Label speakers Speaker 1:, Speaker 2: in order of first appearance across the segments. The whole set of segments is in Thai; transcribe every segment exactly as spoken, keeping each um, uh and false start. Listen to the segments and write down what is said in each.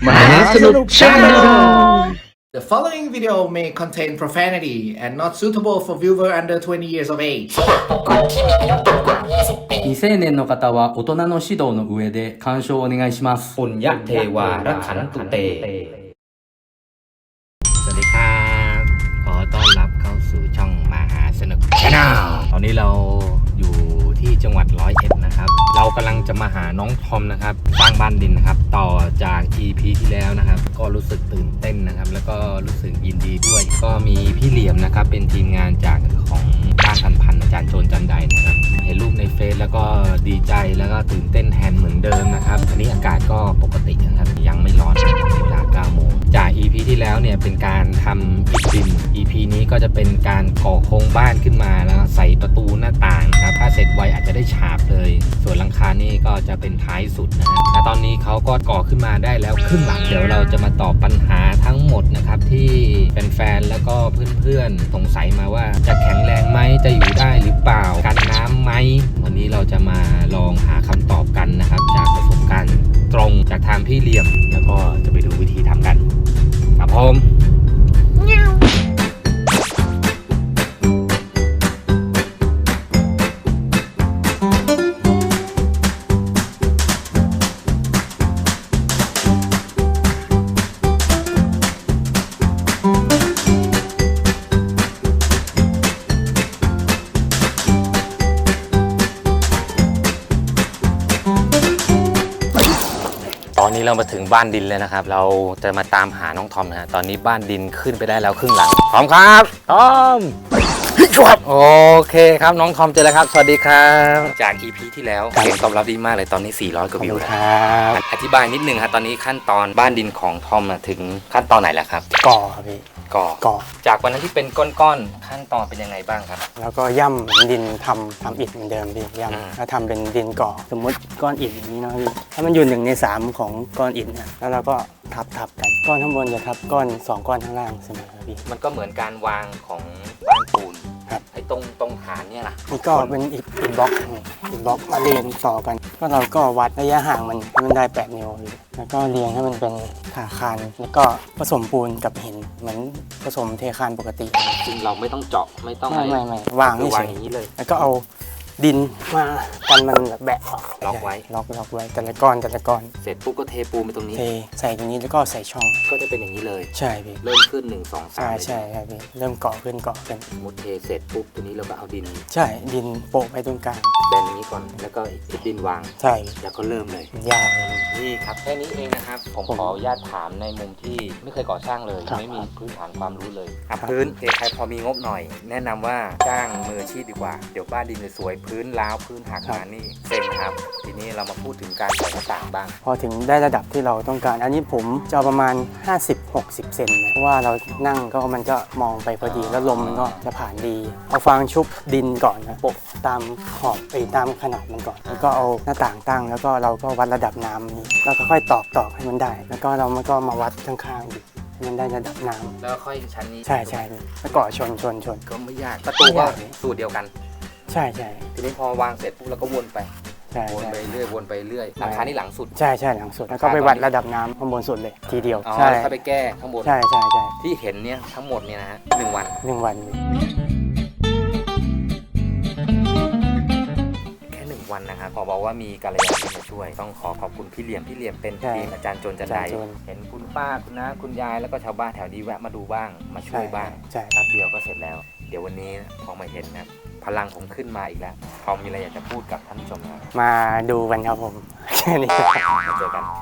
Speaker 1: Mahasanuk Channel.
Speaker 2: The following video may contain profanity and not suitable for viewer under twenty years of age.
Speaker 3: 未成年の方は大人の指導の上で鑑賞をお願いします。
Speaker 4: ปุญญเทวารักขันตุเตสวัสดีครับขอต้อนรับเข้าสู่ช่องมหาสนุก Channel ตอนนี้เราอยู่ที่จังหวัดร้อยเอ็ดนะครับเรากำลังจะมาหาน้องทอมนะครับสร้างบ้านดินนะครับต่อจาก อี พี ที่แล้วนะครับก็รู้สึกตื่นเต้นนะครับแล้วก็รู้สึกยินดีด้วยก็มีพี่เหลี่ยมนะครับเป็นทีมงานจากของบ้านพันพันอาจารย์โจรจันไดนะครับเห็นรูปในเฟซแล้วก็ดีใจแล้วก็ตื่นเต้นแทนเหมือนเดิมนะครับอันนี้อากาศก็ปกตินะครับยังไม่ร้อนเวลาเก้าโมงจาก อี พี ที่แล้วเนี่ยเป็นการทำอิฐดิน อี พี นี้ก็จะเป็นการก่อโครงบ้านขึ้นมาแล้วใส่ประตูหน้าต่างนะครับถ้าเสร็จไวอาจจะได้ฉาบเลยส่วนหลังคานี่ก็จะเป็นท้ายสุดนะฮะและตอนนี้เขาก็ก่อขึ้นมาได้แล้วครึ่งหลังเดี๋ยวเราจะมาตอบปัญหาทั้งหมดนะครับที่แฟนๆแล้วก็เพื่อนๆสงสัยมาว่าจะแข็งแรงไหมจะอยู่ได้หรือเปล่ากันน้ำไหมวันนี้เราจะมาลองหาคำตอบกันนะครับจากประสบการณ์ตรงจากทางพี่เหลี่ยมแล้วก็จะไปดูวิธีทำกันครับผมตอนนี้เรามาถึงบ้านดินแล้วนะครับเราจะมาตามหาน้องทอมนะฮะตอนนี้บ้านดินขึ้นไปได้แล้วครึ่งหลังทอมครับทอมโอเคครับน้องทอมเจอแล้วครับสวัสดีครับจาก อี พี ที่แล้วเสียงตอบรับดีมากเลยตอนนี้สี่ร้อยกว่าวิวแล้วอธิบายนิดนึงครับตอนนี้ขั้นตอนบ้านดินของทอมถึงขั้นตอนไหนแล้วครับ
Speaker 1: ก่อครับพี่
Speaker 4: ก่อ
Speaker 1: ก่อ
Speaker 4: จากวันนั้นที่เป็นก้อนๆขั้นตอนเป็นยังไงบ้างครับ
Speaker 1: แล้วก็ย่ำเหมือนดินทำทำอิฐเหมือนเดิมพี่
Speaker 4: อืม
Speaker 1: ย่ำแล้วทำเป็นดินก่อ สมมติก้อนอิฐอย่างนี้เนาะพี่ ถ้ามันอยู่หนึ่งในสามของก้อนอิฐเนี่ยแล้วเราก็ทับทับกัน ก้อนข้างบนจะทับก้อนสองก้อนข้างล่างเสมอครับพี่
Speaker 4: มันก็เหมือนการวางของบ้านปูน
Speaker 1: ครับ
Speaker 4: ไอ้ตรงตรงฐานเนี่ยนะ
Speaker 1: นี่ก็เป็นอิฐอิฐบล็อกนี่อิฐบล็อกมาเรียงต่อกัน ก็เราก็วัดระยะห่างมันให้มันได้แปดนิ้วพี่แล้วก็เรียงให้มันเป็นขาคานแล้วก็ผสมปูนกับหินเหมือนผสมเทคานปกติ
Speaker 4: ซึ่งเราไม่ต้องเจาะไม่ต้อง
Speaker 1: ไม่ไม่ไม่วาง
Speaker 4: คือ
Speaker 1: เฉ
Speaker 4: วาง
Speaker 1: ย
Speaker 4: อย่างนี้เลย
Speaker 1: แล้วก็เอาดินมากันมันแบบแบะออก
Speaker 4: ล็อกไว้
Speaker 1: ล็อกล็อกไว้แต่ละก้อนแต่ละก้อน
Speaker 4: เสร็จปุ๊บก็เทปูนไปตรงนี้
Speaker 1: เทใส่ตรงนี้แล้วก็ใส่ช่อง
Speaker 4: ก็จะเป็นอย่างนี้เลย
Speaker 1: ใช่พี่
Speaker 4: เริ่มขึ้นหนึ่งสองสา
Speaker 1: ใช่
Speaker 4: ม
Speaker 1: ใช่ครับพี่เริ่มเกาะขึ้นเกาะขึ้น
Speaker 4: มุดเทเสร็จปุ๊บตัวนี้เราก็เอาดิน
Speaker 1: ใช่ดินโปะไปตรงกลาง
Speaker 4: แบนอย่างนี้ก่อนแล้วก็อีกดินวาง
Speaker 1: ใช่
Speaker 4: แล้วก็เริ่มเลย
Speaker 1: มันยาวเลย
Speaker 4: นี่ครับแค่นี้เองนะครับผม
Speaker 1: ผม
Speaker 4: ขออนุญาตถามในมุมที่ไม่เคยก่อสร้างเลย
Speaker 1: ครับ
Speaker 4: ไม่มีพื้นฐานความรู้เลย
Speaker 1: ครับ
Speaker 4: พื้นเอใครพอมีงบหน่อย แนะนำว่าจ้างมืออาชีพดีกว่าเดี๋ยวบ้านดินจะสวยพื้นร้าวพื้นหักมานี่เซ็งครับทีนี้เรามาพูดถึงการใส่หน้าต่างบ้าง
Speaker 1: พอถึงได้ระดับที่เราต้องการ อันนี้ผมจะเอาประมาณ ห้าสิบหกสิบ เซนนะเพราะว่าเรานั่งก็มันก็มองไปพอดีแล้วลมมันก็จะผ่านดี เอาฟางชุบดินก่อนนะโปะตามขอบไปตามขนาดมันก่อน แล้วก็เอาหน้าต่างตั้ง แล้วก็เราก็วัดระดับน้ำนี้แล้วก็ค่อยตอกตอกให้มันได้ แล้วก็เรามันก็มาวัดข้างๆอีกให้มันได้ระดับน้ำ
Speaker 4: แล้วค่อยชั้นนี้
Speaker 1: ใช่ใช่แล้วก็ชนชนชน
Speaker 4: ก็ไม่ยากประตูก็สูตรเดียวกัน
Speaker 1: ใช่ใช่
Speaker 4: ทีนี้พอวางเสร็จปุ๊บเราก็วนไป
Speaker 1: ใช่
Speaker 4: วน
Speaker 1: ใช่
Speaker 4: ไปเรื่อยวนไปเรื่อยหลังคานี่หลังสุด
Speaker 1: ใช่ใช่หลังสุดแล้วก็ไปวัดระดับน้ำข้างบนสุดเลยทีเดียว
Speaker 4: อ๋อ
Speaker 1: ใช่
Speaker 4: แล้วค่อยไปแก้ข้างบน
Speaker 1: ใช่ใช่ใช่
Speaker 4: ที่เห็นเนี่ยทั้งหมดเนี่ยนะฮะหนึ่งวัน
Speaker 1: หนึ่งวัน
Speaker 4: แค่หนึ่งวันนะครับขอบอกว่ามีกัลยาณมิตรมาช่วย ต้องขอขอบคุณพี่เหลี่ยมพี่เหลี่ยมเป็น
Speaker 1: ใช่
Speaker 4: ทีมอาจารย์โจรจันได
Speaker 1: อาจารย์โจร
Speaker 4: เห็นคุณป้าคุณน้าคุณยายแล้วก็ชาวบ้านแถวนี้แวะมาดูบ้างมาช่วยบ้าง
Speaker 1: ใช่
Speaker 4: แป๊บเดียวก็เสร็จแล้ว เดี๋ยววันนี้พอมาเห็นนะพลังผมขึ้นมาอีกแล้วพอมีอะไรอยากจะพูดกับท่านผู้ชมนะครับ
Speaker 1: มาดูกันครับผมแค่นี้
Speaker 4: มาเจอกัน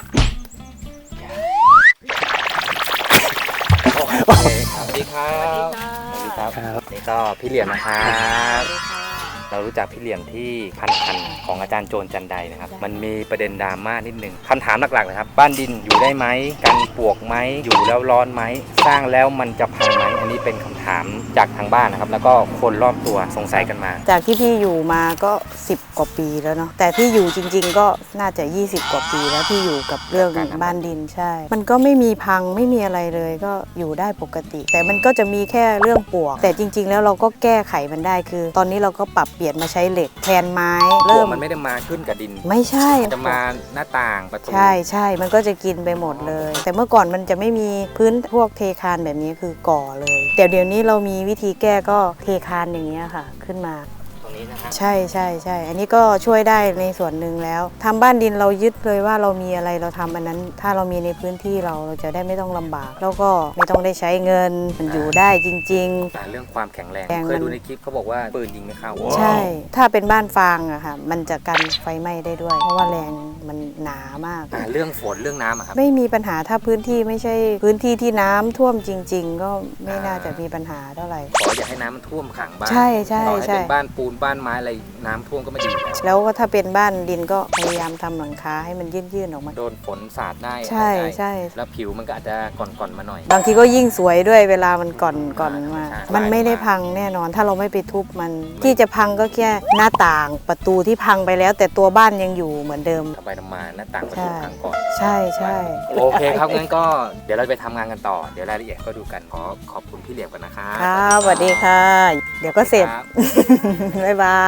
Speaker 4: โอเคสวัสดีครับสวัสดีครับ
Speaker 1: ครับ
Speaker 4: นี่ก็พี่เหลี่ยมนะครับเรารู้จักพี่เหลี่ยมที่พันพันของอาจารย์โจรจันไดนะครับมันมีประเด็นดราม่านิดนึงคำถามหลักๆนะครับบ้านดินอยู่ได้ไหมกันปวกไหมอยู่แล้วร้อนไหมสร้างแล้วมันจะพังไหมอันนี้เป็นคำถถามจากทางบ้านนะครับแล้วก็คนรอบตัวสงสัยกันมา
Speaker 5: จากที่พี่อยู่มาก็สิบกว่าปีแล้วเนาะแต่ที่อยู่จริงๆก็น่าจะยี่สิบกว่าปีแล้วที่อยู่กับเรื่องบ้านดินใช่มันก็ไม่มีพังไม่มีอะไรเลยก็อยู่ได้ปกติ แต่มันก็จะมีแค่เรื่องปลวกแต่จริงๆแล้วเราก็แก้ไขมันได้คือ ตอนนี้เราก็ปรับเปลี่ยนมาใช้เหล็กแทนไม้เริ่ม
Speaker 4: มันไม่ได้มาขึ้นกับดิน
Speaker 5: ไม่ใช่
Speaker 4: จะมาหน้าต่างประตู
Speaker 5: ใช่ใช่มันก็จะกินไปหมดเลย แต่เมื่อก่อนมันจะไม่มีพื้นพวกเทคานแบบนี้คือก่อเลยแต่เดี๋ยวนี้เรามีวิธีแก้ก็เทคานอย่างเงี้ยค่ะขึ้นมา
Speaker 4: ตรงนี้นะครับ
Speaker 5: ใช่ใช่ใช่อันนี้ก็ช่วยได้ในส่วนหนึ่งแล้วทำบ้านดินเรายึดเลยว่าเรามีอะไรเราทำอันนั้น ถ้าเรามีในพื้นที่เราเราจะได้ไม่ต้องลำบาก แล้วก็ไม่ต้องได้ใช้เงินมันอยู่ได้จริง
Speaker 4: แต่เรื่องความแข็งแรง
Speaker 5: แรง
Speaker 4: เคยดู
Speaker 5: มัน
Speaker 4: ในคลิปเขาบอกว่าปืนยิงไม่เข้า
Speaker 5: ๆ ใช่ ถ้าเป็นบ้านฟางอะค่ะมันจะกันไฟไหม้ได้ด้วย เพราะว่าแรงมันหนามาก
Speaker 4: อ่าเรื่องฝนเรื่องน้ำอะครับ
Speaker 5: ไม่มีปัญหาถ้าพื้นที่ไม่ใช่พื้นที่ที่น้ำท่วมจริง ๆ ก็ไม่น่าจะมีปัญหาเท่าไหร่
Speaker 4: ขออย่าให้น้ำมันท่วมขังบ้าน
Speaker 5: ใช่ใช่
Speaker 4: ต่อให้
Speaker 5: ใช่
Speaker 4: เป็นบ้านปูนบ้านไม้อะไรน้ำท่วมก็ไม่ดีอยู่แล้ว
Speaker 5: แล้วก็ถ้าเป็นบ้านดินก็พยายามทำหลังคาให้มันยื่นๆออกมา
Speaker 4: โดนฝนสาดได้
Speaker 5: ใช่
Speaker 4: อะไรได้
Speaker 5: ใช่
Speaker 4: แล้วผิวมันก็อาจจะก่อนๆมาหน่อย
Speaker 5: บางทีก็ยิ่งสวยด้วยเวลามันก่อนก่อนมา
Speaker 4: ใช่
Speaker 5: มันไม่ได้พังแน่นอน ถ้าเราไม่ไปทุบมัน ที่จะพังก็แค่หน้าต่างประตูที่พังไปแล้ว แต่ตัวบ้านยังอยู่เหมือนเดิม
Speaker 4: ทำไปทำมาหน้าต่างประ
Speaker 5: ใช่
Speaker 4: ตูพังก่อน
Speaker 5: ใช่ใช่
Speaker 4: โอเคครับงั้นก็เดี๋ยวเราไปทำงานกันต่อ เดี๋ยวรายละเอียดก็ดูกัน ขอขอบคุณพี่เหลี่ยมกันนะครับ
Speaker 5: ครับสวัสดีค่ะ เดี๋ยวก็เสร็จ
Speaker 4: ครับ
Speaker 5: บ๊ายบาย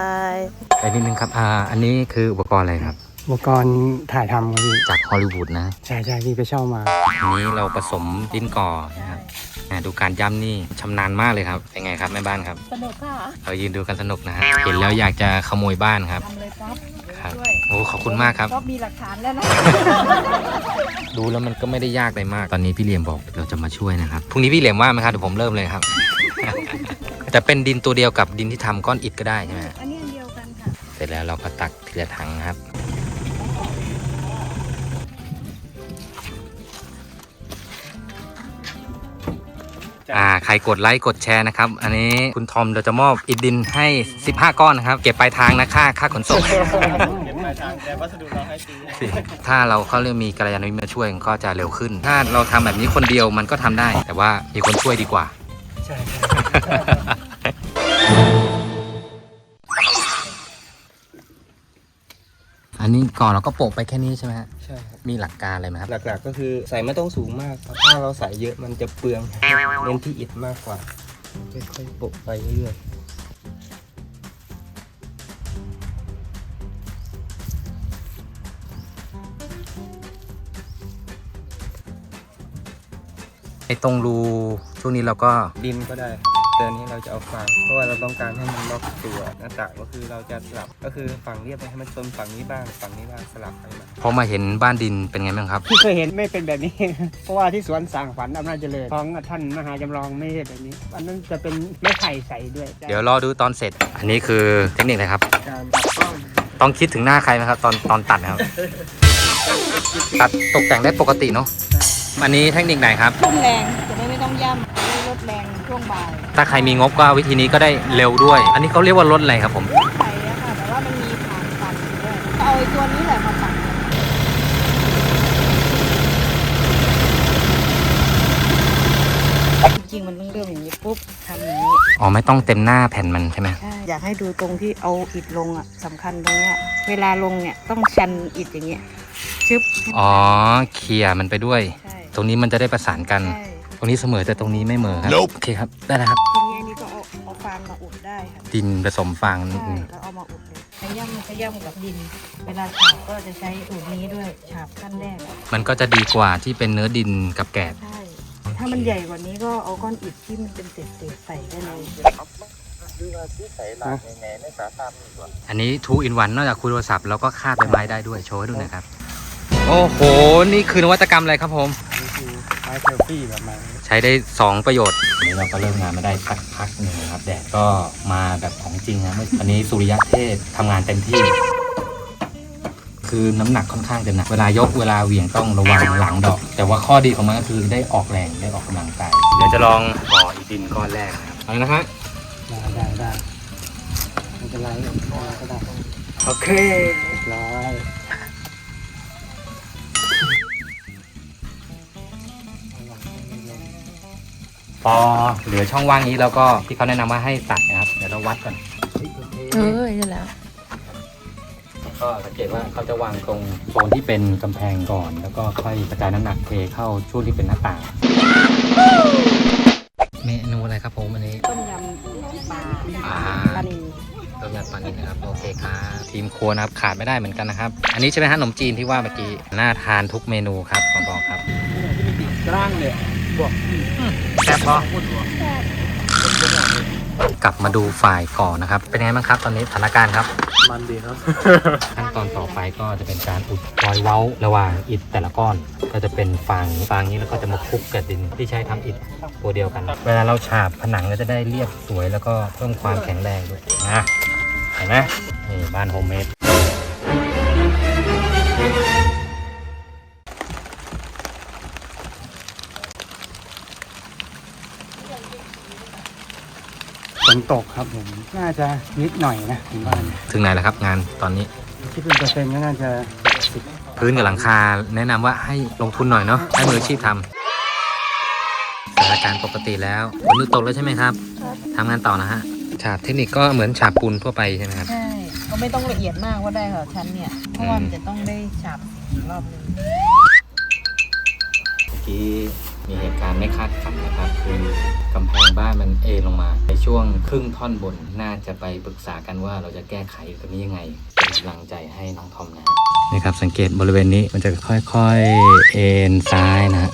Speaker 4: ไปนิดนึงครับ อ่า อันนี้คืออุปกรณ์อะไรครับ
Speaker 1: อุปกรณ์ถ่ายทำครับพี่
Speaker 4: จากฮอลลีวูดนะ
Speaker 1: ใช่ใช่พี่ไปเช่ามา
Speaker 4: อันนี้เราผสมดินก่อนะครับอ่าดูการย่ำนี่ชำนาญมากเลยครับ เป็นไงครับแม่บ้านครับ
Speaker 5: สนุกค่ะ
Speaker 4: เรายืนดูกันสนุกนะฮะ เห็นแล้วอยากจะขโมยบ้านครับ
Speaker 5: ทำเลยครับ
Speaker 4: ครับ โอ้ขอบคุณมากครับ
Speaker 5: ก็มีหลักฐานแล้วนะ
Speaker 4: ดูแล้วมันก็ไม่ได้ยากอะไรมาก ตอนนี้พี่เหลี่ยมบอกเราจะมาช่วยนะครับ พรุ่งนี้พี่เหลี่ยมว่าไหมครับ เดี๋ยวผมเริ่มเลยครับ จะเป็นดินตัวเดียวกับดินที่ทำก้อนอิฐก็ได้ใช่ไหมฮะ
Speaker 5: อันนี้อันเดียวกันค่ะ
Speaker 4: เสร็จแล้วเราก็ตักทีละถังครับ อ่า ใครกดไลค์กดแชร์นะครับ อันนี้คุณทอมเราจะมอบอิฐดินให้ สิบห้า ก้อนนะครับ เก็บปลายทางนะค่าค่าขนส่ง
Speaker 1: เก็บปลายทางแต่วัสดุเราให้ฟรี
Speaker 4: ถ้าเราเขาเรียกมีกัลยาณมิตรมาช่วยก็จะเร็วขึ้น ถ้าเราทำแบบนี้คนเดียวมันก็ทำได้ แต่ว่ามีคนช่วยดีกว่า
Speaker 1: ใช่
Speaker 4: อันนี้ก่อนเราก็โปะไปแค่นี้ใช่ไหมฮะ
Speaker 6: ใช่ครับ
Speaker 4: มีหลักการอะไรไหมครับ
Speaker 6: หลักๆก็คือใส่ไม่ต้องสูงมากครับถ้าเราใส่เยอะมันจะเปลืองเน้นที่อิฐมากกว่าค่อยๆโปะไปเรื่อย
Speaker 4: ไอ้ตรงรูช่วงนี้เราก็
Speaker 6: ๆดินก็ได้เตือนนี้เราจะเอาฟางเพราะว่าเราต้องการให้มันล็อกตัวหน้าต่างก็คือเราจะสลับก็คือฝั่งเรียบไปให้มันชนฝั่งนี้บ้างฝั่งนี้บ้างสลับไปมา
Speaker 4: พอมาเห็นบ้านดินเป็นไงบ้างครับ
Speaker 7: ที่เคยเห็นไม่เป็นแบบนี้ เพราะว่าที่สวนสร้างฝันอำนาจเจริญของท่านมหาจำลองไม่ใช่แบบนี้ อันนั้นจะเป็นไม้ไผ่ใสด้วย
Speaker 4: เดี๋ยวรอดูตอนเสร็จ อันนี้คือเทคนิคอะไรครับ
Speaker 7: การตัดกล้อง
Speaker 4: ต้องคิดถึงหน้าใครไหมครับ ตอนตอนตัดนะครับ ตัดตกแต่งได้ปกติเนาะ อันนี้เทคนิคไหนครับ
Speaker 5: ทุ่มแรงจะได้ไม่ต้องย่ำจะได้ลดแรงช่วงบ่าย
Speaker 4: ถ้าใครมีงบก็วิธีนี้ก็ได้เร็วด้วย อันนี้เขาเรียกว่ารถอะไรครับผม
Speaker 5: ไผ่อะค่ะแต่ว่ามันมีฐานปั่นอยู่ด้วยเอาไอ้ตัวนี้แหละมาปั่นจริงๆมันต้องเริ่มอย่างนี้ปุ๊บทำอย่างนี้
Speaker 4: อ๋อไม่ต้องเต็มหน้าแผ่นมันใช่ไหม
Speaker 5: ใช่อยากให้ดูตรงที่เอาอิฐลงอ่ะสำคัญตรงเนี้ยเวลาลงเนี่ยต้องชันอิฐอย่างเงี้ยชึบ
Speaker 4: อ๋อเคลียร์มันไปด้วย
Speaker 5: ใช่
Speaker 4: ตรงนี้มันจะได้ประสานกัน
Speaker 5: ใช่
Speaker 4: ตรงนี้เสมอแต่ตรงนี้ไม่เหมอครับ โอเคครับ ได้แล้วครับ
Speaker 5: ทีนี้อันนี้ก็เอาเอาฟางมาอุดได้ค่ะ
Speaker 4: ดินผสมฟางนิด
Speaker 5: ใช่
Speaker 4: นึง
Speaker 5: แล้วเอามาอุดเลยขย่ำขย่ำกับดิน เวลาฉาบก็จะใช้อุดนี้ด้วยฉาบขั้นแรกอะ
Speaker 4: มันก็จะดีกว่าที่เป็นเนื้อดินกับแกบ
Speaker 5: ใช่ ถ้ามันใหญ่กว่านี้ก็เอาก้อนอิฐที่มันเป็นเศษๆใส่ได้เลย
Speaker 4: อันนี้ two in one นอกจากคุยโทรศัพท์แล้วก็คาดใบไม้ได้ด้วยโชว์ให้ดูหน่อยครับ โอ้โห นี่คือนวัตกรรมอะไรครับผม
Speaker 1: นี่คือไม้เซลฟี่แบบใหม่
Speaker 4: ใช้ได้สองประโยชน์อันนี้เราก็เริ่มงานมาได้พักพักหนึ่งนะครับแดดก็มาแบบของจริงนะอันนี้สุริยะเทพทำงานเต็มที่ คือน้ำหนักค่อนข้างจะหนักเวลายกเวลาเหวี่ยงต้องระวังหลังดอก แต่ว่าข้อดีของมันก็คือได้ออกแรงได้ออกกำลังกายเดี๋ยวจะลองก่ออีดินก้อนแรกนะครับเอาเลยนะฮะ
Speaker 1: ได้ได้ได้ไม่เป็นไรเอาก็ได้
Speaker 4: โอเค
Speaker 1: เรียบร้อย
Speaker 4: พอเหลือช่องว่างนี้แล้วก็ที่เขาแนะนำว่าให้ตัดนะครับเดี๋ยวเราวัดก่อน
Speaker 5: เออใช่แล้ว
Speaker 4: ก็สังเกตว่าเขาจะวางตรงโซนที่เป็นกำแพงก่อน แล้วก็ค่อยกระจายน้ำหนักเทเข้าช่วงที่เป็นหน้าต่างเมนูอะไรครับผมอันนี้
Speaker 5: ต้มยำปลา
Speaker 4: อ่า
Speaker 5: ปลานิล
Speaker 4: ต้มยำปลานิลนะครับโอเคครับทีมครัวนะครับขาดไม่ได้เหมือนกันนะครับ อันนี้ใช่ไหมฮะขนมจีนที่ว่าเมื่อกี้น่าทานทุกเมนูครับขอบอกครับ
Speaker 7: กลางเลยบวก
Speaker 4: แซ่บปะกลับมาดูฝ่ายก่อนนะครับเป็นไงบ้างครับตอนนี้สถานการณ์ครับ
Speaker 1: มันดีครับ
Speaker 4: ขั้นตอนต่อไปก็จะเป็นการอุดรอยเว้าระหว่างอิฐแต่ละก้อน ก็จะเป็นฟางฟางนี้แล้วก็จะมาคลุกกับดินที่ใช้ทำอิฐตัวเดียวกัน เวลาเราฉาบผนังก็จะได้เรียบสวยแล้วก็เพิ่มความแข็งแรงด้วยนะเห็นไหมนี่บ้านโฮมเมด
Speaker 1: ฝนตกครับผม น่าจะนิดหน่อยนะถึงบ้าน
Speaker 4: ถึงไหนแล้วครับงานตอนนี้
Speaker 1: ที่เป็นเปอร์เซ็นต์ก็น่าจะสิบ
Speaker 4: พื้นกับหลังคาแนะนำว่าให้ลงทุนหน่อยเนาะให้มืออาชีพทำสถานการณ์ปกติแล้วฝนหยุดตกแล้วใช่ไหมครับทำงานต่อนะฮะฉาบเทคนิคก็เหมือนฉาบปูนทั่วไปใช่ไหมครับ
Speaker 5: ใช่ก็ไม่ต้องละเอียดมากว่าได้ค่ะชั้นเนี่ยเพราะว่ามันจะต้องได้ฉาบอีกรอบนึง
Speaker 4: เมื่อกี้มีเหตุการณ์ไม่คาดฝันนะครับ คือกำแพงบ้านมันเอลงมาในช่วงครึ่งท่อนบนน่าจะไปปรึกษากันว่าเราจะแก้ไขตรงนี้ยังไงเป็นกำลังใจให้น้องทอมนะนี่ครับสังเกตบริเวณนี้มันจะค่อยๆเอ็นซ้ายนะฮะ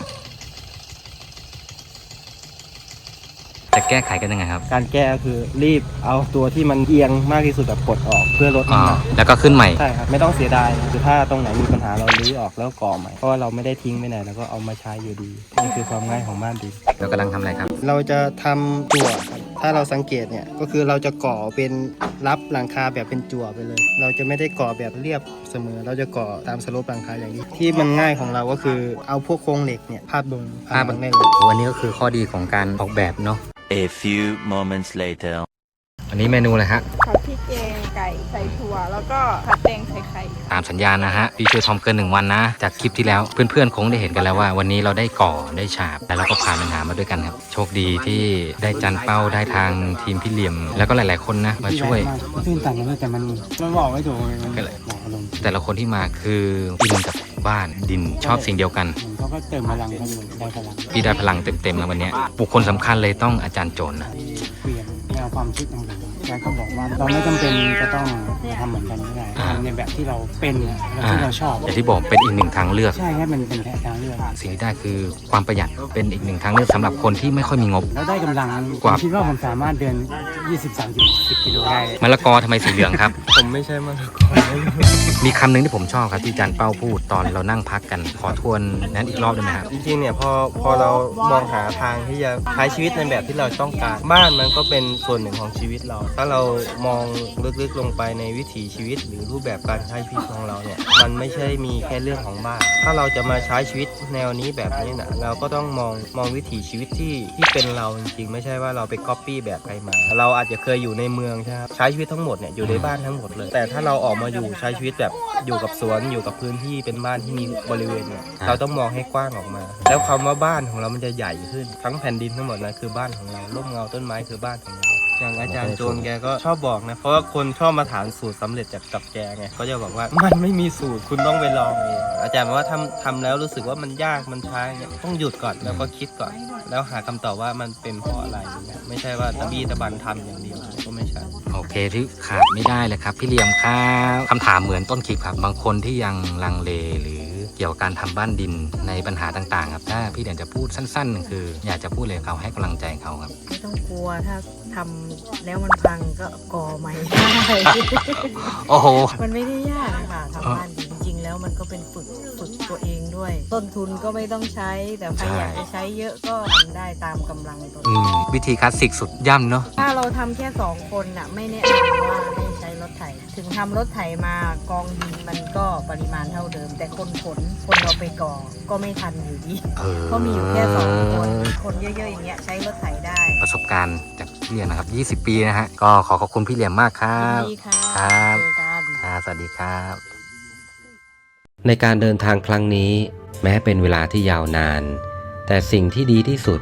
Speaker 4: จะแก้ไขกันยังไงครับ
Speaker 6: การแก้ก็คือรีบเอาตัวที่มันเอียงมากที่สุดแบบปลดออกเพื่อลด
Speaker 4: อ่า
Speaker 6: น้ำหนัก
Speaker 4: แล้วก็ขึ้นใหม่
Speaker 6: ใช่ครับไม่ต้องเสียดายคือถ้าตรงไหนมีปัญหาเราลื้อออกแล้วก่อใหม่เพราะว่าเราไม่ได้ทิ้งไปไหนแล้วก็เอามาใช้อยู่ดีนี่คือความง่ายของบ้านดิน
Speaker 4: เรากำลังทำอะไรครับ
Speaker 6: เราจะทำจั่วครับถ้าเราสังเกตเนี่ยก็คือเราจะก่อเป็นรับหลังคาแบบเป็นจั่วไปเลย เราจะไม่ได้ก่อแบบเรียบเสมอ เราจะก่อตามสโลปหลังคาอย่างนี้ที่มันง่ายของเราก็คือเอาพวกโครงเหล็กเนี่ยพาดบนผนังได้เลย
Speaker 4: โอ้อันนี้ก็คือข้อดีของการออกแบบเนาะ
Speaker 8: A few moments later.
Speaker 4: อันนี้เมนูอะไรฮะ
Speaker 9: ผัดพริกแกงไก่ใส่ถั่วแล้วก็ผัดแตงใส่ไข่
Speaker 4: ตามสัญญาณนะฮะพี่ช่วยทอมเกินหนึ่งวันนะ จากคลิปที่แล้วเพื่อนๆคงได้เห็นกันแล้วว่า วันนี้เราได้ก่อได้ฉาบแล้วเราก็ผ่านปัญหามาด้วยกันครับ โชคดีที่ได้จันเป้าได้ทางทีมพี่เหลี่ยม แล้วก็หลายๆคนนะมาช่วย
Speaker 1: ตื่นตันเลยแต่มันมันบอกไม่ถูกเลยมัน
Speaker 4: ก็เลย
Speaker 1: บอกอารมณ์
Speaker 4: แต่ละคนที่มาคืออินกับบ้านดินชอบสิ่งเดียวกัน
Speaker 1: เหมือนเขาก็เติมพลังเขาอยู่ได้พลัง
Speaker 4: พี่ได้พลังเต็มๆแล้ววันเนี้ยบุคคลสำคัญเลยต้องอาจารย์โจนนะ
Speaker 1: เปลี่ยนแนวความคิดของผมอาจารย์ก็บอกว่าเราไม่จำเป็นจะต้องทำเหมือนกันก็ได้ทำในแบบที่เราเป็นและที่เราชอบ
Speaker 4: อย่างที่บอกเป็นอีกหนึ่งทางเลือก
Speaker 1: ใช่แค่มันเป็นแค่ทางเลือก
Speaker 4: สิ่งที่ได้คือความประหยัดเป็นอีกหนึ่งทางเลือกสำหรับคนที่ไม่ค่อยมีงบ
Speaker 1: แล้วได้กำลัง
Speaker 4: กว่า
Speaker 1: ผมคิดว่าผมสามารถเดิน ยี่สิบ สามสิบ กิโลได้
Speaker 4: มะละกอทำไมสีเหลืองครับ
Speaker 6: ผมไม่ใช่มา
Speaker 4: มีคำหนึ่งที่ผมชอบครับที่อาจารย์เป้าพูดตอนเรานั่งพักกันขอทวนนั้นอีกรอบได้ไหมครับ
Speaker 6: จริงๆเนี่ยพอพอเรามองหาทางที่จะใช้ชีวิตในแบบที่เราต้องการ บ้านมันก็เป็นส่วนหนึ่งของชีวิตเรา ถ้าเรามองลึกๆลงไปในวิถีชีวิต หรือรูปแบบการใช้ชีวิตของเราเนี่ยมันไม่ใช่มีแค่เรื่องของบ้าน ถ้าเราจะมาใช้ชีวิตแนวนี้แบบนี้นะเราก็ต้องมองมองวิถีชีวิตที่ที่เป็นเราจริงๆไม่ใช่ว่าเราไปก๊อปปี้แบบใครมา เราอาจจะเคยอยู่ในเมืองใช่ไหมใช้ชีวิตทั้งหมดเนี่ยอยู่ในบ้านทั้งหมดเลย แต่ถ้าเราออกมาอยู่ใช้ชีวิตแบบอยู่กับสวนอยู่กับพื้นที่เป็นบ้านที่มีบริเวณเนี่ยเราต้องมองให้กว้างออกมา แล้วคำว่าบ้านของเรามันจะใหญ่ขึ้นทั้งแผ่นดินทั้งหมดนะคือบ้านของเราร่มเงาต้นไม้คือบ้านของเราอย่างอาจารย์โจนแกก็ชอบบอกนะเพราะว่าคนชอบมาถามสูตรสำเร็จจากกับแกไงก็จะบอกว่ามันไม่มีสูตรคุณต้องไปลองเองอาจารย์บอกว่าทำทำแล้วรู้สึกว่ามันยากมันช้าเนี่ยต้องหยุดก่อนแล้วก็คิดก่อน แล้วหาคำตอบว่ามันเป็นเพราะอะไรเนี่ยไม่ใช่ว่าตะบี้ตะบันทำอย่างเดียวก็ไม่ใช่
Speaker 4: โอเคที่ขาดไม่ได้เลยครับพี่เหลี่ยมครับคำถามเหมือนต้นคลิปครับบางคนที่ยังลังเลหรือเกี่ยวกับการทำบ้านดินในปัญหาต่างๆครับถ้าพี่เหลี่ยมจะพูดสั้นๆ คือ อยากจะพูดเลยเขาให้กำลังใจเขาครับ
Speaker 5: ไม่ต้องกลัวถ้าทำแล้วมันพังก็ก่อใหม่ได้
Speaker 4: โอ้โห
Speaker 5: มันไม่ได้ยากค่ะทำบ้านจริงๆแล้วมันก็เป็นฝึกฝึกตัวเองด้วย ต้นทุนก็ไม่ต้องใช้ แต่ใครอยากจะใช้เยอะก็ทำได้ตามกำลังตัวเอ
Speaker 4: อื
Speaker 5: ง
Speaker 4: มวิธีคลาสสิกสุดย่ำเนาะ
Speaker 5: ถ้าเราทำแค่สองคนน่ะไม่แนะนำว่าให้ใช้รถไถ ถึงทำรถไถมากองดินมันก็ปริมาณเท่าเดิม แต่คนขนคนเราไปก่อก็ไม่ทันอยู่ดี
Speaker 4: เออ
Speaker 5: เพราะมีอยู่แค่สองคนคนเยอะๆอย่างเงี้ยใช้รถไถได้
Speaker 4: ประสบการณ์จากพี่เหลี่ยมนะครับยี่สิบปีนะฮะก็ขอขอบคุณพี่เหลี่ยมมากครั
Speaker 5: ยิน
Speaker 4: บ
Speaker 5: ดีค่ะ
Speaker 4: ครับ
Speaker 5: เจอกัน
Speaker 4: ครับสวัสดีครับ
Speaker 10: ในการเดินทางครั้งนี้แม้เป็นเวลาที่ยาวนาน แต่สิ่งที่ดีที่สุด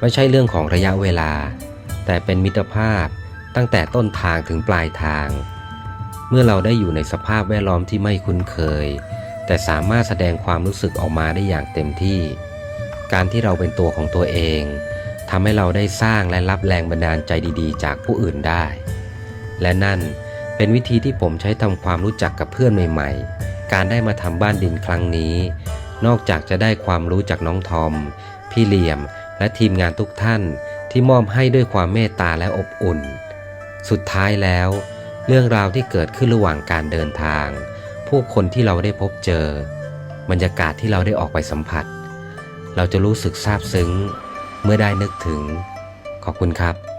Speaker 10: ไม่ใช่เรื่องของระยะเวลาแต่เป็นมิตรภาพตั้งแต่ต้นทางถึงปลายทางเมื่อเราได้อยู่ในสภาพแวดล้อมที่ไม่คุ้นเคยแต่สามารถแสดงความรู้สึกออกมาได้อย่างเต็มที่การที่เราเป็นตัวของตัวเองทำให้เราได้สร้างและรับแรงบันดาลใจดีๆจากผู้อื่นได้และนั่นเป็นวิธีที่ผมใช้ทำความรู้จักกับเพื่อนใหม่ๆการได้มาทำบ้านดินครั้งนี้นอกจากจะได้ความรู้จากน้องทอมพี่เหลี่ยมและทีมงานทุกท่านที่มอบให้ด้วยความเมตตาและอบอุ่นสุดท้ายแล้วเรื่องราวที่เกิดขึ้นระหว่างการเดินทางผู้คนที่เราได้พบเจอบรรยากาศที่เราได้ออกไปสัมผัสเราจะรู้สึกซาบซึ้งเมื่อได้นึกถึงขอบคุณครับ